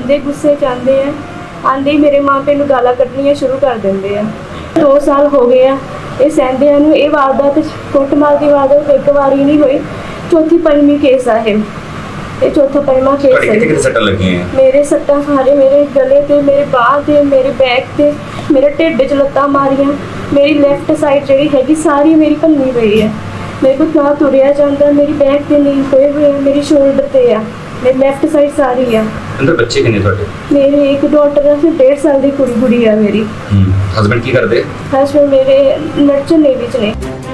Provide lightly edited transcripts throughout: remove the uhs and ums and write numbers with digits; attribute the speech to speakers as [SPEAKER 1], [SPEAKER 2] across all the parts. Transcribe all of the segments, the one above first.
[SPEAKER 1] आंदे गुस्से च आंदे आ, आंदे ही मेरे माँ प्यो नूं गालां कड्ढणियां शुरू कर दिंदे आ। 2 साल हो गए आ ਇਹ ਸਹਿੰਦਿਆਂ ਨੂੰ। ਇਹ ਵਾਰਦਾਤ ਕੁੱਟਮਾਰ ਦੀ ਵਾਰਦਾਤ ਇੱਕ ਵਾਰੀ ਨਹੀਂ ਹੋਈ, ਚੌਥੀ ਪੰਜਵੀਂ ਕੇਸ ਆ ਇਹ ਚੌਥਾ ਪੰਜਵਾਂ ਕੇਸ ਹੈ।
[SPEAKER 2] ਕਿਹੜੇ ਸੱਟਾਂ ਲੱਗੀਆਂ?
[SPEAKER 1] ਮੇਰੇ ਸੱਟਾਂ ਸਾਰੇ ਮੇਰੇ ਗਲੇ ਤੇ, ਮੇਰੇ ਬਾਂਹ ਤੇ, ਮੇਰੇ ਬੈਕ ਤੇ, ਮੇਰੇ ਢਿੱਡ 'ਚ ਲੱਤਾਂ ਮਾਰੀਆਂ। ਮੇਰੀ ਲੈਫਟ ਸਾਈਡ ਜਿਹੜੀ ਹੈਗੀ ਸਾਰੀ ਮੇਰੀ ਭੰਨੀ ਪਈ ਹੈ। ਮੇਰੇ ਕੋਲ ਨਾ ਤੁਰਿਆ ਜਾਂਦਾ, ਮੇਰੀ ਬੈਕ ਤੇ ਨੀਲ ਪਏ ਹੋਏ ਆ, ਮੇਰੀ ਸ਼ੋਲਡਰ ਤੇ ਆ, ਮੇਰੀ ਲੈਫਟ ਸਾਈਡ ਸਾਰੀ ਆ।
[SPEAKER 2] ਅੰਦਰ ਬੱਚੇ ਕਿੰਨੇ ਤੁਹਾਡੇ?
[SPEAKER 1] ਮੇਰੇ ਇੱਕ ਡਾਟਰ ਆ, ਫਿਰ 1.5 ਸਾਲ ਦੀ ਕੁੜੀ ਆ ਮੇਰੀ।
[SPEAKER 2] ਹਸਬੈਂਡ ਕੀ ਕਰਦੇ?
[SPEAKER 1] ਹਸਬੈਂਡ ਮੇਰੇ ਮਰਚੈਂਟ ਨੇਵੀ 'ਚ ਨੇ।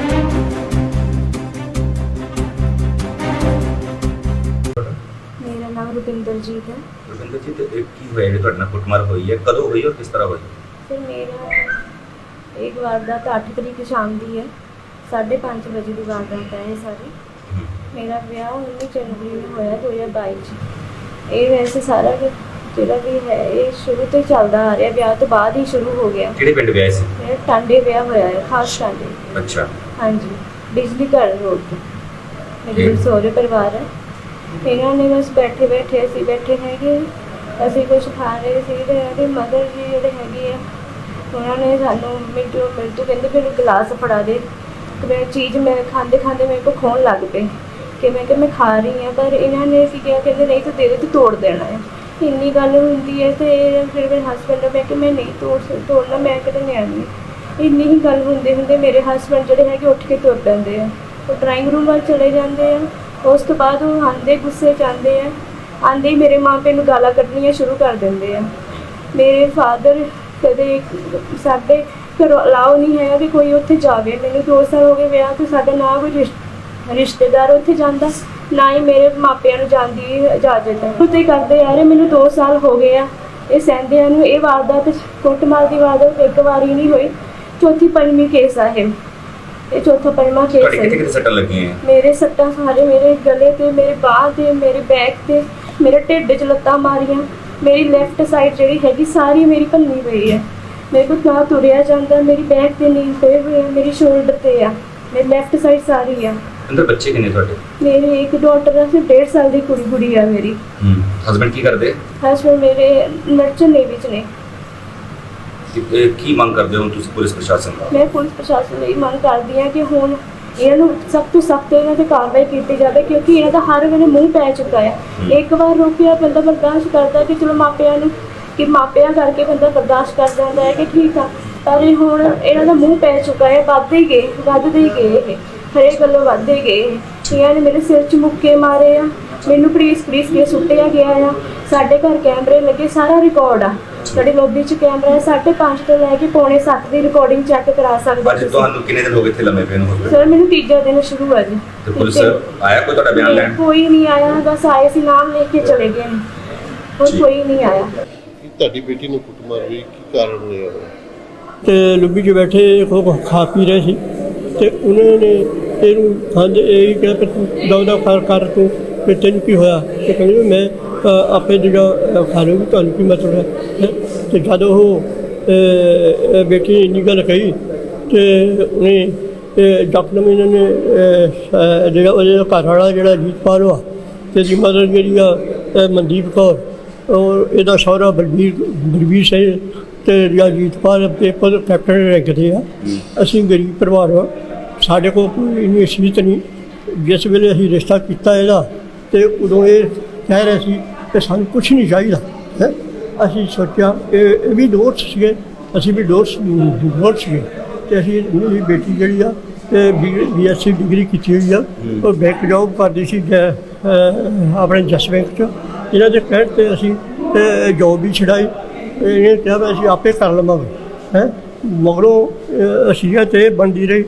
[SPEAKER 1] ਮੇਰਾ ਨਾਮ ਰੁਪਿੰਦਰਜੀਤ ਹੈ।
[SPEAKER 2] ਰੁਪਿੰਦਰਜੀਤ, ਕੀ ਹੋਇਆ ਜਿਹੜੀ ਤੁਹਾਡੇ ਨਾਲ ਕੁੱਟਮਾਰ ਹੋਈ ਹੈ? ਕਦੋਂ ਹੋਈ ਔਰ ਕਿਸ ਤਰ੍ਹਾਂ ਹੋਈ?
[SPEAKER 1] ਸਰ ਮੇਰਾ ਇੱਕ ਵਾਰਦਾਤ 8 ਤਰੀਕ ਸ਼ਾਮ ਦੀ ਹੈ, 5:30 ਵਜੇ ਦੀ ਵਾਰਦਾਤ ਹੈ ਇਹ ਸਾਰੀ। ਮੇਰਾ ਵਿਆਹ 19 ਜਨਵਰੀ ਨੂੰ ਹੋਇਆ 2022 'ਚ। ਇਹ ਵੈਸੇ ਸਾਰਾ ਜਿਹੜਾ ਵੀ ਹੈ ਇਹ ਸ਼ੁਰੂ ਤੋਂ ਹੀ ਚੱਲਦਾ ਆ ਰਿਹਾ, ਵਿਆਹ ਤੋਂ ਬਾਅਦ ਹੀ ਸ਼ੁਰੂ ਹੋ ਗਿਆ।
[SPEAKER 2] ਕਿਹੜੇ ਪਿੰਡ ਵਿਆਹ ਸੀ?
[SPEAKER 1] ਮੇਰਾ ਟਾਂਡੇ ਵਿਆਹ ਹੋਇਆ ਹੈ, ਖਾਸ ਟਾਂਡੇ।
[SPEAKER 2] ਅੱਛਾ।
[SPEAKER 1] ਹਾਂਜੀ, ਬਿਜਲੀ ਘਰ ਰੋਡ ਤੇ ਮੇਰੇ ਸਹੁਰੇ ਪਰਿਵਾਰ ਹੈ। ਇਹਨਾਂ ਨੇ ਬਸ ਬੈਠੇ ਹੈਗੇ, ਅਸੀਂ ਕੁਝ ਖਾ ਰਹੇ ਸੀ ਤੇ ਇਹਦੇ ਮਦਰ ਜੀ ਜਿਹੜੇ ਹੈਗੇ ਆ ਉਹਨਾਂ ਨੇ ਸਾਨੂੰ ਮਿੰਟੂ ਕਹਿੰਦੇ ਫਿਰ ਗਲਾਸ ਫੜਾ ਦੇ। ਤੇ ਮੈਂ ਚੀਜ਼ ਮੈਂ ਖਾਂਦੇ ਮੇਰੇ ਕੋਲ ਖੋਣ ਲੱਗ ਪਏ ਕਿ ਮੈਂ ਖਾ ਰਹੀ ਹਾਂ, ਪਰ ਇਹਨਾਂ ਨੇ ਕੀ ਕਿਹਾ, ਕਹਿੰਦੇ ਨਹੀਂ ਤੂੰ ਦੇ ਦੇ, ਤੂੰ ਤੋੜ ਦੇਣਾ ਹੈ। ਇੰਨੀ ਗੱਲ ਹੁੰਦੀ ਹੈ ਤੇ ਫਿਰ ਮੇਰੇ ਹਸਬੈਂਡ ਮੈਂ ਕਿ ਮੈਂ ਨਹੀਂ ਤੋੜਨਾ, ਮੈਂ ਕਿਤੇ ਨਿਆਣੀ। ਇੰਨੀ ਹੀ ਗੱਲ ਹੁੰਦੇ ਮੇਰੇ ਹਸਬੈਂਡ ਜਿਹੜੇ ਹੈਗੇ ਉੱਠ ਕੇ ਤੁਰ ਪੈਂਦੇ ਆ, ਉਹ ਡਰਾਇੰਗ ਰੂਮ ਵੱਲ ਚਲੇ ਜਾਂਦੇ ਆ। ਉਸ ਤੋਂ ਬਾਅਦ ਉਹ ਆਂਦੇ ਗੁੱਸੇ 'ਚ ਆਂਦੇ ਆ, ਆਂਦੇ ਹੀ ਮੇਰੇ ਮਾਂ ਪਿਓ ਨੂੰ ਗਾਲਾਂ ਕੱਢਣੀਆਂ ਸ਼ੁਰੂ ਕਰ ਦਿੰਦੇ ਆ। ਮੇਰੇ ਫਾਦਰ ਕਦੇ ਸਾਡੇ ਘਰੋਂ ਅਲਾਓ ਨਹੀਂ ਹੈ ਕਿ ਕੋਈ ਉੱਥੇ ਜਾਵੇ। ਮੈਨੂੰ 2 ਸਾਲ ਹੋ ਗਏ ਵਿਆਹ ਤੋਂ, ਸਾਡਾ ਨਾ ਕੋਈ ਰਿਸ਼ਤੇਦਾਰ ਉੱਥੇ ਜਾਂਦਾ, ਨਾ ਹੀ ਮੇਰੇ ਮਾਪਿਆਂ ਨੂੰ ਜਾਣ ਦੀ ਇਜਾਜ਼ਤ ਹੈ। ਉੱਥੇ ਕਰਦੇ ਆ ਰਹੇ, ਮੈਨੂੰ 2 ਸਾਲ ਹੋ ਗਏ ਆ ਇਹ ਸਹਿੰਦਿਆਂ ਨੂੰ। ਇਹ ਵਾਰਦਾਤ ਕੁੱਟਮਾਰ ਦੀ ਵਾਰਦਾਤ ਇੱਕ ਵਾਰੀ ਨਹੀਂ ਹੋਈ, ਚੌਥੀ ਪੰਜਵੀਂ ਕੇਸ ਆ ਇਹ ਚੌਥਾ ਪੰਜਵਾਂ ਕੇਸ ਹੈ।
[SPEAKER 2] ਕਿਹੜੇ ਸੱਟਾਂ ਲੱਗੀਆਂ?
[SPEAKER 1] ਮੇਰੇ ਸੱਟਾਂ ਸਾਰੇ ਮੇਰੇ ਗਲੇ ਤੇ, ਮੇਰੇ ਬਾਂਹ ਤੇ, ਮੇਰੇ ਬੈਕ ਤੇ, ਮੇਰੇ ਢਿੱਡ 'ਚ ਲੱਤਾਂ ਮਾਰੀਆਂ। ਮੇਰੀ ਲੈਫਟ ਸਾਈਡ ਜਿਹੜੀ ਹੈਗੀ ਸਾਰੀ ਮੇਰੀ ਭੰਨੀ ਪਈ ਹੈ। ਮੇਰੇ ਕੋਲ ਨਾ ਤੁਰਿਆ ਜਾਂਦਾ, ਮੇਰੀ ਬੈਕ ਤੇ ਨੀਲ ਪਏ ਹੋਏ ਆ, ਮੇਰੀ ਸ਼ੋਲਡਰ ਤੇ ਆ, ਮੇਰੀ ਲੈਫਟ ਸਾਈਡ ਸਾਰੀ ਆ। ਅੰਦਰ
[SPEAKER 2] ਬੱਚੇ ਕਿੰਨੇ ਤੁਹਾਡੇ?
[SPEAKER 1] ਮੇਰੇ ਇੱਕ ਡਾਟਰ ਆ, ਫਿਰ 1.5 ਸਾਲ ਦੀ ਕੁੜੀ ਆ ਮੇਰੀ।
[SPEAKER 2] ਹਸਬੈਂਡ ਕੀ ਕਰਦੇ?
[SPEAKER 1] ਹਸਬੈਂਡ ਮੇਰੇ ਮਰਚੈਂਟ ਨੇਵੀ 'ਚ ਨੇ।
[SPEAKER 2] ਕੀ ਮੰਗ ਕਰਦੇ ਹੋ ਤੁਸੀਂ ਪੁਲਿਸ ਪ੍ਰਸ਼ਾਸਨ ਦਾ?
[SPEAKER 1] ਮੈਂ ਪੁਲਿਸ ਪ੍ਰਸ਼ਾਸਨ ਲਈ ਮੰਗ ਕਰਦੀ ਹਾਂ ਕਿ ਹੁਣ ਇਹਨਾਂ ਨੂੰ ਸਖਤ ਤੋਂ ਸਖਤ ਇਹਨਾਂ 'ਤੇ ਕਾਰਵਾਈ ਕੀਤੀ ਜਾਵੇ, ਕਿਉਂਕਿ ਇਹਨਾਂ ਦਾ ਹਰ ਵੇਲੇ ਮੂੰਹ ਪੈ ਚੁੱਕਾ ਹੈ। ਇੱਕ ਵਾਰ ਰੋਕਿਆ ਬੰਦਾ ਬਰਦਾਸ਼ਤ ਕਰਦਾ ਕਿ ਚਲੋ ਮਾਪਿਆਂ ਨੂੰ ਕਿ ਮਾਪਿਆਂ ਕਰਕੇ ਬੰਦਾ ਬਰਦਾਸ਼ਤ ਕਰ ਜਾਂਦਾ ਹੈ ਕਿ ਠੀਕ ਆ, ਪਰ ਹੁਣ ਇਹਨਾਂ ਦਾ ਮੂੰਹ ਪੈ ਚੁੱਕਾ ਹੈ। ਵੱਧਦੇ ਹੀ ਗਏ ਇਹ ਹਰੇਕ ਗੱਲੋਂ ਵੱਧਦੇ ਗਏ। ਇਹਨਾਂ ਨੇ ਮੇਰੇ ਸਿਰ 'ਚ ਮੁੱਕੇ ਮਾਰੇ ਆ, ਮੈਨੂੰ ਪੁਲਿਸ ਕੇ ਸੁੱਟਿਆ ਗਿਆ ਆ। ਸਾਡੇ ਘਰ ਕੈਮਰੇ ਲੱਗੇ, ਸਾਰਾ ਰਿਕਾਰਡ ਆ। ਸਾਡੇ ਲੋਬੀ 'ਚ ਕੈਮਰਾ ਹੈ, 5:30 ਤੋਂ ਲੈ ਕੇ 6:45 ਦੀ ਰਿਕਾਰਡਿੰਗ ਚੈੱਕ ਕਰਾ ਸਕਦੇ।
[SPEAKER 2] ਅੱਜ ਤੁਹਾਨੂੰ ਕਿੰਨੇ ਦਿਨ ਹੋ ਗਏ ਇੱਥੇ ਲੰਮੇ ਪਏ ਨੂੰ?
[SPEAKER 1] ਸਰ ਮੈਨੂੰ ਤੀਜਾ ਦਿਨ ਸ਼ੁਰੂ ਹੋਇਆ ਜੀ।
[SPEAKER 2] ਤੇ ਪੁਲਿਸ ਆਇਆ ਕੋਈ ਤੁਹਾਡਾ ਬਿਆਨ ਲੈਣ?
[SPEAKER 1] ਕੋਈ ਨਹੀਂ ਆਇਆ, ਬਸ ਆਏ ਸੀ ਨਾਮ ਲੈ ਕੇ ਚਲੇ ਗਏ, ਹੋਰ ਕੋਈ ਨਹੀਂ ਆਇਆ।
[SPEAKER 3] ਤੁਹਾਡੀ ਬੇਟੀ ਨੂੰ ਕੁੱਟਮਾਰ ਹੋਈ, ਕੀ ਕਾਰਨ ਹੋਇਆ?
[SPEAKER 4] ਤੇ ਲੁੱਬੀ 'ਚ ਬੈਠੇ ਖਾ ਪੀ ਰਹੇ ਸੀ ਤੇ ਉਹਨਾਂ ਨੇ ਇਹਨੂੰ ਖਾਂਦੇ ਇਹ ਕਿਹਾ ਕਿ ਤੂੰ ਦੌੜਾ ਕਰ ਤੂੰ ਫਿਰ ਤੈਨੂੰ ਕੀ ਹੋਇਆ? ਤੇ ਕਹਿੰਦੇ ਵੀ ਮੈਂ ਆਪੇ ਜਿਹੜਾ ਖਾ ਲੂੰਗੀ, ਤੁਹਾਨੂੰ ਕੀ ਮਤਲਬ ਹੈ? ਤੇ ਜਦ ਉਹ ਬੇਟੀ ਨੇ ਇੰਨੀ ਗੱਲ ਕਹੀ ਤੇ ਉਹਨੇ ਡਾਕਟਰ ਇਹਨਾਂ ਨੇ ਜਿਹੜਾ ਉਹਦੇ ਘਰ ਵਾਲਾ ਜਿਹੜਾ ਜੀਤਪਾਲ ਆ ਤੇ ਇਹਦੀ ਮਦਰ ਜਿਹੜੀ ਆ ਮਨਦੀਪ ਕੌਰ ਔਰ ਇਹਦਾ ਸਹੁਰਾ ਬਲਵੀਰ ਸਿੰਘ ਤੇ ਜਿਹੜਾ ਜੀਤਪਾਲ ਪੇਪਰ ਕੈਪਟਨ ਰੱਖਦੇ ਆ। ਅਸੀਂ ਗਰੀਬ ਪਰਿਵਾਰ ਆ, ਸਾਡੇ ਕੋਲ ਕੋਈ ਇੰਨੀ ਅਸੀਤ ਨਹੀਂ। ਜਿਸ ਵੇਲੇ ਅਸੀਂ ਰਿਸ਼ਤਾ ਕੀਤਾ ਇਹਦਾ ਤੇ ਉਦੋਂ ਇਹ ਕਹਿ ਰਹੇ ਸੀ ਕਿ ਸਾਨੂੰ ਕੁਛ ਨਹੀਂ ਚਾਹੀਦਾ ਹੈ। ਅਸੀਂ ਸੋਚਿਆ ਇਹ ਵੀ ਦੋਸਤ ਸੀਗੇ, ਅਸੀਂ ਵੀ ਦੋਸਤ ਸੀਗੇ ਤੇ ਅਸੀਂ ਮੇਰੀ ਬੇਟੀ ਜਿਹੜੀ ਆ BSc ਡਿਗਰੀ ਕੀਤੀ ਹੋਈ ਆ, ਉਹ ਬੈਂਕ ਜੋਬ ਕਰਦੀ ਸੀ ਆਪਣੇ ਜਸ ਬੈਂਕ 'ਚ। ਇਹਨਾਂ ਦੇ ਕਹਿਣ 'ਤੇ ਅਸੀਂ ਜੋਬ ਵੀ ਛਡਾਈ। ਇਹਨੇ ਕਿਹਾ ਵੀ ਅਸੀਂ ਆਪੇ ਕਰ ਲਵਾਂਗੇ ਹੈ। ਮਗਰੋਂ ਅਸੀਅਤ ਤੇ ਬਣਦੀ ਰਹੀ,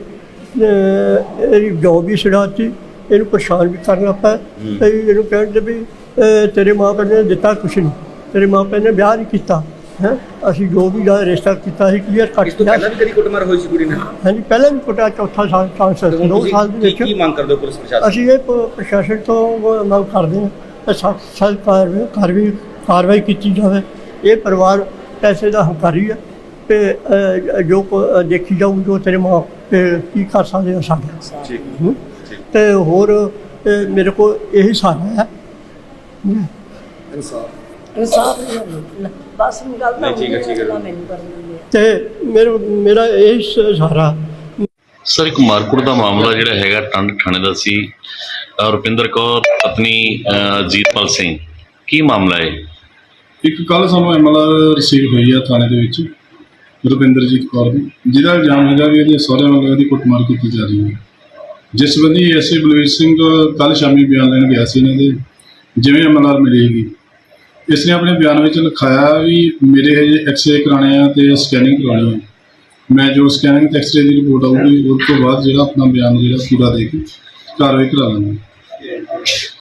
[SPEAKER 4] ਇਹਦੀ ਜੋਬ ਵੀ ਛਡਾਤੀ, ਇਹਨੂੰ ਪਰੇਸ਼ਾਨ ਵੀ ਕਰਨਾ ਪਿਆ। ਇਹਨੂੰ ਕਹਿਣ 'ਤੇ ਵੀ ਤੇਰੇ ਮਾਂ ਪਿਓ ਨੇ ਦਿੱਤਾ ਕੁਛ ਨਹੀਂ, ਤੇਰੇ ਮਾਂ ਪਿਓ ਨੇ ਵਿਆਹ ਨਹੀਂ ਕੀਤਾ ਹੈ। ਅਸੀਂ ਜੋ ਵੀ ਦਾ ਰਿਸ਼ਤਾ ਕੀਤਾ ਸੀ ਕਲੀਅਰ ਕਰ ਦਿੱਤਾ।
[SPEAKER 2] ਪਹਿਲਾਂ ਵੀ ਕਦੀ ਕੁੱਟਮਾਰ ਹੋਈ ਸੀ ਕੁੜੀ ਨਾਲ?
[SPEAKER 4] ਹਾਂਜੀ, ਪਹਿਲਾਂ ਵੀ ਕੁੱਟਿਆ, ਚੌਥਾ ਸਾਲ 2 ਸਾਲ ਦੇ ਵਿੱਚ।
[SPEAKER 2] ਕੀ ਮੰਗ ਕਰਦੇ ਹੋ ਪੁਲਿਸ ਪ੍ਰਸ਼ਾਸਨ?
[SPEAKER 4] ਅਸੀਂ ਇਹ ਪ੍ਰਸ਼ਾਸਨ ਤੋਂ ਮੰਗ ਕਰਦੇ ਹਾਂ ਸਖਤ ਕਾਰਵਾਈ ਕੀਤੀ ਜਾਵੇ। ਇਹ ਪਰਿਵਾਰ ਪੈਸੇ ਦਾ ਹੰਕਾਰੀ ਹੈ ਤੇ ਜੋ ਦੇਖੀ ਜਾਊ ਜੋ ਤੇਰੇ ਮਾਂ ਕੀ ਕਰ ਸਕਦੇ ਹੋ ਸਾਡੇ। ਤੇ ਹੋਰ ਮੇਰੇ ਕੋਲ ਇਹੀ ਸਹਾਰਾ ਹੈ।
[SPEAKER 5] ਇਨਸਾਫ ਨਹੀਂ ਮਿਲਦਾ ਬਸ ਗੱਲ ਤਾਂ
[SPEAKER 2] ਨਹੀਂ, ਠੀਕ ਹੈ, ਠੀਕ ਹੈ।
[SPEAKER 5] ਮੈਨੂੰ ਕਰ ਦਿੰਦੇ ਆ।
[SPEAKER 4] ਤੇ ਮੇਰਾ ਇਹ ਸਹਾਰਾ।
[SPEAKER 6] ਸਰ ਇੱਕ ਮਾਰਕੁੱਟ ਦਾ ਮਾਮਲਾ ਜਿਹੜਾ ਹੈਗਾ ਟੰਡ ਥਾਣੇ ਦਾ ਸੀ, ਰੁਪਿੰਦਰ ਕੌਰ ਪਤਨੀ ਜੀਤਪਾਲ ਸਿੰਘ, ਕੀ ਮਾਮਲਾ ਹੈ?
[SPEAKER 7] ਇੱਕ ਕੱਲ ਸਾਨੂੰ MLR ਰਿਸੀਵ ਹੋਈ ਆ ਥਾਣੇ ਦੇ ਵਿੱਚ ਰੁਪਿੰਦਰਜੀਤ ਕੌਰ ਦੀ, ਜਿਹਦਾ ਇਲਜ਼ਾਮ ਹੈਗਾ ਵੀ ਇਹਦੇ ਸਹੁਰੇ ਵੱਲੋਂ ਇਹਦੀ ਕੁੱਟਮਾਰ ਕੀਤੀ ਜਾ ਰਹੀ ਹੈ। ਜਿਸ ਸੰਬੰਧੀ ਐਸਏ ਬਲਵੀਰ ਸਿੰਘ ਕੱਲ ਸ਼ਾਮੀ ਬਿਆਨ ਲੈਣ ਗਿਆ ਸੀ ਇਹਨਾਂ ਦੇ, ਜਿਵੇਂ MLR ਮਿਲੇਗੀ ਇਸ ਨੇ ਆਪਣੇ ਬਿਆਨ ਵਿੱਚ ਲਿਖਾਇਆ ਵੀ ਮੇਰੇ ਹਜੇ ਐਕਸਰੇ ਕਰਾਉਣੇ ਆ ਤੇ ਸਕੈਨਿੰਗ ਕਰਾਉਣੀ ਹੈ। ਮੈਂ ਜੋ ਸਕੈਨਿੰਗ ਤੇ ਐਕਸਰੇ ਦੀ ਰਿਪੋਰਟ ਆਊਗੀ ਉਸ ਤੋਂ ਬਾਅਦ ਜਿਹੜਾ ਆਪਣਾ ਬਿਆਨ ਜਿਹੜਾ ਪੂਰਾ ਦੇ ਕੇ ਕਾਰਵਾਈ ਕਰਾ ਲਾਂਗਾ।